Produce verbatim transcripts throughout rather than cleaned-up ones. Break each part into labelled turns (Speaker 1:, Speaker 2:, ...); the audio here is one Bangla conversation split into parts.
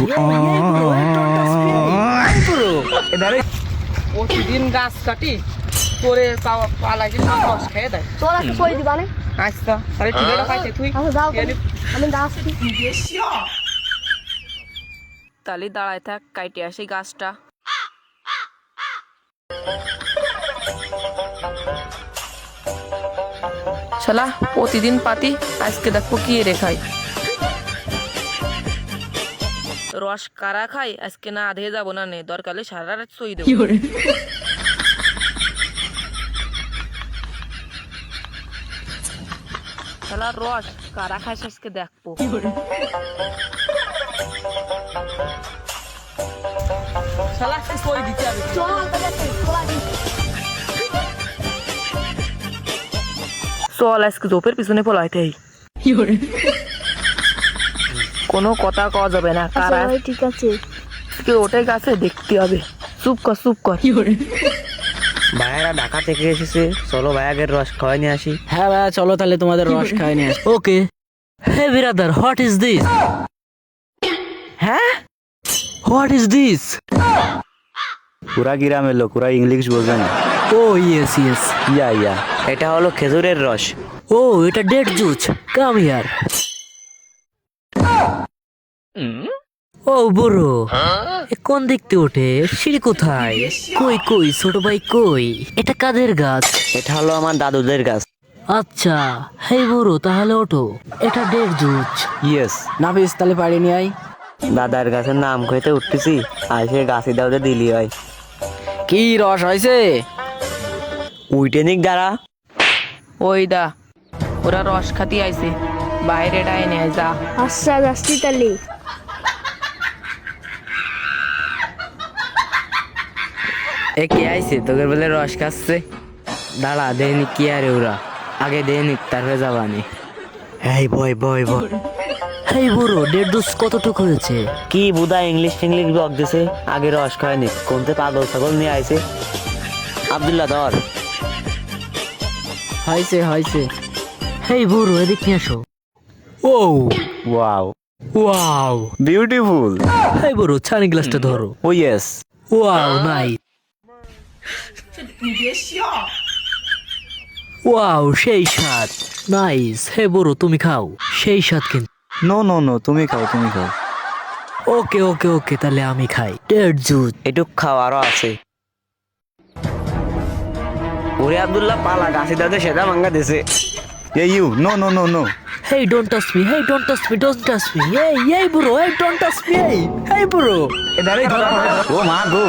Speaker 1: প্রতিদিন গাছ কাটি করে পালা কিন্তু রস খেয়ে দেয়।
Speaker 2: তোরা কি কই দিবা না?
Speaker 1: আচ্ছা তাহলে ঠিকানা পাইছে তুই
Speaker 2: আচ্ছা যাও আমি গাছ
Speaker 1: তালি দাঁড়ায় থাক, কাইটে আসি গাছটা। শালা প্রতিদিন পাতি, আজকে দেখো কি রেখাই রস কারা খাই, আজকে না আধে যাবো না নে, দরকারে সারা রাত সই দেবো। শালা রস কারা খাইস আজকে দেখবো। শালা আজকে সই দিতে হবে। চল আজকে জোপের পিছনে পলাইতে কোনো কথা কওয়া যাবে না। কারা
Speaker 2: ঠিক আছে
Speaker 1: কেউ ওঠে গাছে দেখতে হবে। চুপ কর চুপ কর।
Speaker 3: ভাইয়ারা ঢাকা থেকে এসেছে, চলো ভাইয়াদের রস খাওয়াই নিয়ে আসি।
Speaker 4: হ্যাঁ ভাইয়া চলো তাহলে তোমাদের রস খাই নিয়ে আসি। Okay hey brother, what is this? হ্যাঁ হোয়াট ইজ দিস?
Speaker 3: পুরা গ্রামের লোক, পুরা ইংলিশ বোঝে না।
Speaker 4: ও ইয়েস ইয়েস
Speaker 3: ইয়া ইয়া এটা হলো খেজুরের রস।
Speaker 4: ও এটা ডেট জুস, কাম হিয়ার। ও বুড়ো, এ কোন দেখতে ওঠে? সিঁড়ি কোথায়? কই কই ছোট ভাই কই? এটা কাদের গাছ?
Speaker 3: এটা হলো আমার দাদুদের গাছ।
Speaker 4: আচ্ছা হে বুড়ো তাহলে ওঠো, এটা ডেট জুস।
Speaker 3: ইয়েস
Speaker 4: নাফিস তাহলে পাড়ি নিয়ে আই।
Speaker 3: দাদার গাছের নাম কইতে উঠতেছি, আর সে গাছি দাওতে দিলি হয়।
Speaker 4: কি রস হয়েছে?
Speaker 3: উইটেনিক দ্বারা
Speaker 1: ওই দা ওরা রস খাতি আইছে, বাইরে ডাই নিয়ে যা।
Speaker 2: আচ্ছা যাচ্ছি তাহলে।
Speaker 3: এ কে আইছে তোদের বলে রস খাচ্ছে? দাঁড়া দেয়নি কি আরে ওরা, আগে দেয়নি তারপরে যাবানি। এই বয় বয় বয়
Speaker 4: হে বুড়ো ডেট জুস কতটুক হয়েছে?
Speaker 3: কি বুদা ইংলিশ টিংলিশ বক দিছে, আগে রস খায়নি কোনতে পাগল ছাগল নিয়ে আইছে। আব্দুল্লাহ ধর।
Speaker 4: হয়েছে হয়েছে। হে বুড়ো এদিক নিয়ে আসো। ও
Speaker 3: ওয়াও
Speaker 4: ওয়াও
Speaker 3: বিউটিফুল।
Speaker 4: হে বুড়ো ছানি গ্লাসটা ধরো।
Speaker 3: ও ইয়েস
Speaker 4: ওয়াও নাই। ওয়াও সেই স্বাদ, নাইস। হে বুড়ো তুমি খাও, সেই স্বাদ কিন্তু।
Speaker 3: নো নো নো তুমি খাও তুমি খাও।
Speaker 4: ওকে ওকে ওকে তাহলে আমি খাই ডেট জুস।
Speaker 3: এটুক খাও আরো আছে। ওরে আব্দুল্লাহ পালা গাছি দাদে সেটা মাঙ্গা দিছে।
Speaker 5: Yeah, you. No, no, no, no.
Speaker 4: Hey, don't touch me. Hey, don't touch me. Don't touch me. Hey, hey, bro. Hey, don't touch me. Hey, hey, bro.
Speaker 5: Oh, my go.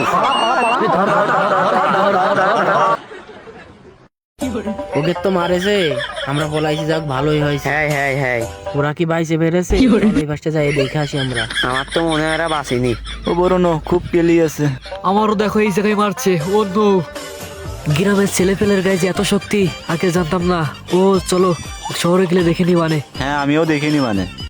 Speaker 4: ওকে তো মারেছে, আমরা বলাইছি যাক ভালোই হয়েছে।
Speaker 3: হ্যাঁ হ্যাঁ হ্যাঁ
Speaker 4: ওরা কি বাইসে বেড়েছে? এই পাশটা যাই দেখে আসি আমরা।
Speaker 3: আমার তো মনে হয় এরা বাঁচিনি।
Speaker 5: ও বড় নো খুব পেলি আছে।
Speaker 4: আমারও দেখো এই জায়গায় মারছে। ও নো, গ্রামের ছেলে পেলের গায়ে যে এত শক্তি আগে জানতাম না। ও চলো শহরে গেলে দেখে নি মানে।
Speaker 5: হ্যাঁ আমিও দেখিনি মানে